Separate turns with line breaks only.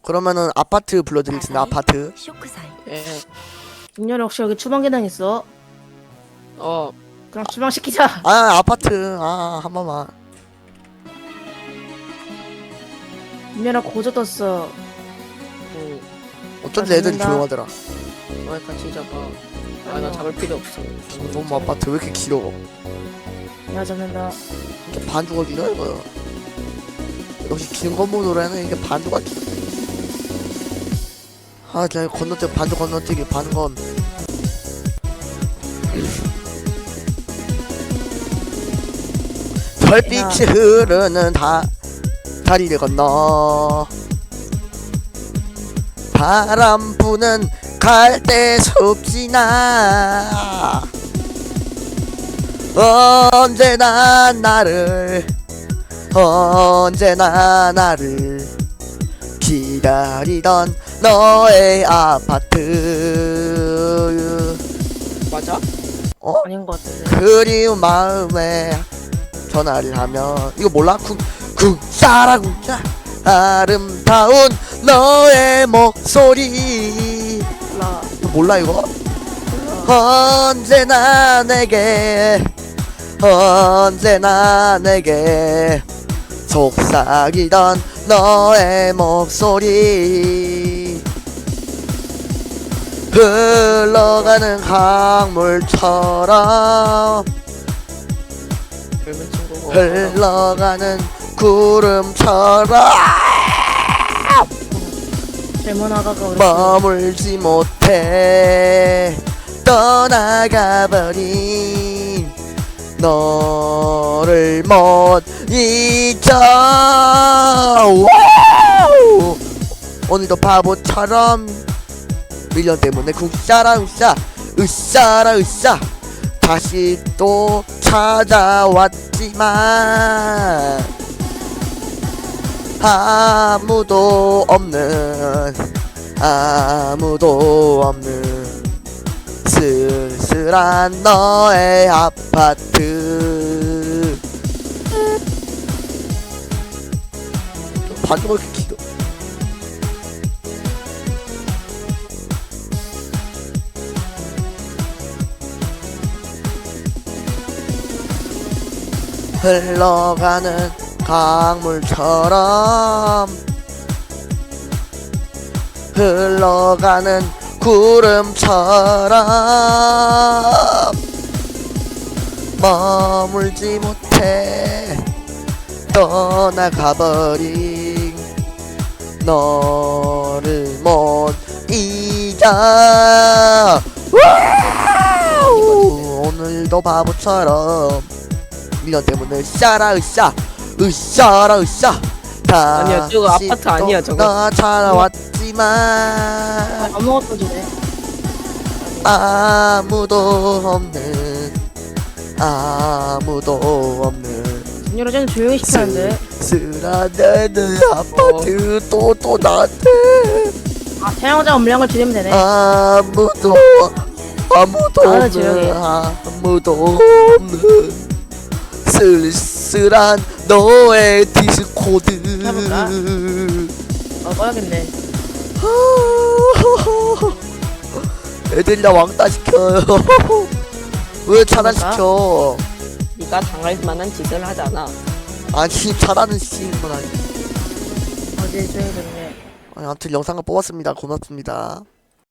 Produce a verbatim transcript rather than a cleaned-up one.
그러면은 아파트 불러드리겠습니다. 아파트.
예.
김열아 혹시 여기 주방 계단 있어?
어.
그럼 주방 시키자.
아 아파트. 아 한 번만.
김열아 고조 떴어.
응.
어쩐지 애들이
잡는다.
조용하더라.
어, 같이 잡아. 아, 나 잡을 필요 없어.
너무 아파트 왜 이렇게 길어?
내가 잡는다.
이게 반주가 길어 이거. 역시 긴 건물 노래는 이게 반주가 길어. 아 그냥 건너뛰기 반주 건너뛰기 반건. 별빛이 흐르는 다 다리를 건너 바람 부는 갈대숲 지나 언제나 나를 언제나 나를 기다리던 너의 아파트.
맞아?
어?
아닌 것 같은데.
그리운 마음에 전화를 하면 이거 몰라? 쿵 쿵짜라 쿵짜 아름다운 너의 목소리.
몰라.
이거 몰라 이거? 언제나 내게 언제나 내게 속삭이던 너의 목소리. 흘러가는 강물처럼
젊은 친구가.
흘러가는 구름처럼
젊은 아가가 우리
머물지 못해 떠나가버린 너를 못 잊어. 와우! 오늘도 바보처럼 밀련 때문에 쿵싸라 으쌰 으쌰라 으쌰 다시 또 찾아왔지만 아무도 없는 아무도 없는 쓸쓸한 너의 아파트. 반주가 이렇게 길어. 흘러가는 강물처럼 흘러가는 구름처럼 머물지 못해 떠나가버린 너를 못 잊어. 와우! 오늘도 바보처럼 밀련 때문에 으쌰라 으쌰 으쌰라 으쌰
아니야, 저거 아파트 아니야, 저거.
나 찾아왔지만
아무것도 주네.
아무도 없는 아무도 없는
김열아 쟤는 조용히 시키는데.
쓸쓸한 내 아파트 또 또 나한테
아 태양자 음량을 줄이면 되네.
아무도 아무도
아,
없는
조용히 해.
아무도 없는 쓸쓸한 너의 디스코드.
해볼까? 어 꺼야겠네.
애들이 나 왕따 시켜요. 왜 차단시켜?
네가 당할 만한 짓을 하잖아.
아니 차단은 시키는 건 아니.
어제 조용히 됐네.
아니 아무튼 영상을 뽑았습니다. 고맙습니다.